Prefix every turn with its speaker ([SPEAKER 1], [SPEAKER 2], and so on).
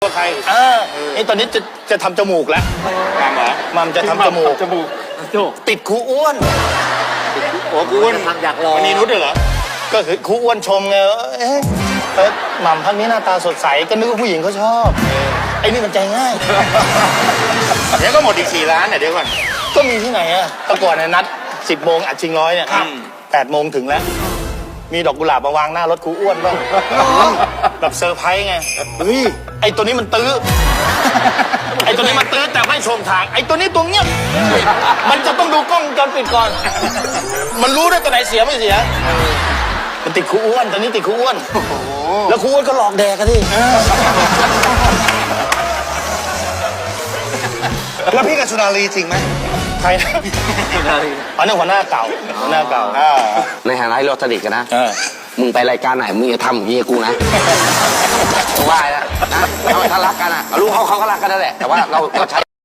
[SPEAKER 1] กับใคร
[SPEAKER 2] ไอ้ตอนนี้จะทำจมูกแล้ว
[SPEAKER 1] มัมเหรอ
[SPEAKER 2] มัมจะทำจมูกติดครูอ้วน
[SPEAKER 1] โอ้ครูอ้วน
[SPEAKER 3] อยากลอง
[SPEAKER 1] วันนี้นุชเหรอ
[SPEAKER 2] ก็คือครูอ้วนชมไงหม่ำพักนี้หน้าตาสดใสก็นึกว่าผู้หญิงเขาชอบไอ้นี่มันใจง่าย
[SPEAKER 1] เดี๋ยวก็หมดอีก4 ล้านเนี่ยเดี๋ยวก่อน
[SPEAKER 2] ก็มีที่ไหนอะแต่ก่อนเนี่ยนัด10 โมงอัดชิงร้อยเนี่ย8 โมงถึงแล้วมีดอกกุหลาบมาวางหน้ารถครูอ้วนบ้างแบบเซอร์ไพรส์ไงเฮ้ยไอ้ตัวนี้มันตื้อไอ้ตัวนี้มันตื้อแต่ไม่ชมทางไอ้ตัวนี้ตัวเงียบมันจะต้องดูกล้องวงจรปิดก่อนมันรู้ได้ตัวไหนเสียไม่เสียมันติดครูอ้วนตอนนี้ติดครูอ้วนแล้วครูอ้วนก็หลอกแดกกันที่
[SPEAKER 1] แล้วพี่กับสุนารีจริงไหม
[SPEAKER 2] ใครนะอันนั้นหัวหน้าเก่า
[SPEAKER 3] ในฐานะที่เราสนิทกันนะมึงไปรายการไหนมึงอย่าทำอย่างนี้กูนะว่าแล้วนะถ้ารักกันอ่ะรู้เขาก็รักกันนั่นแหละแต่ว่าเราก็ใช้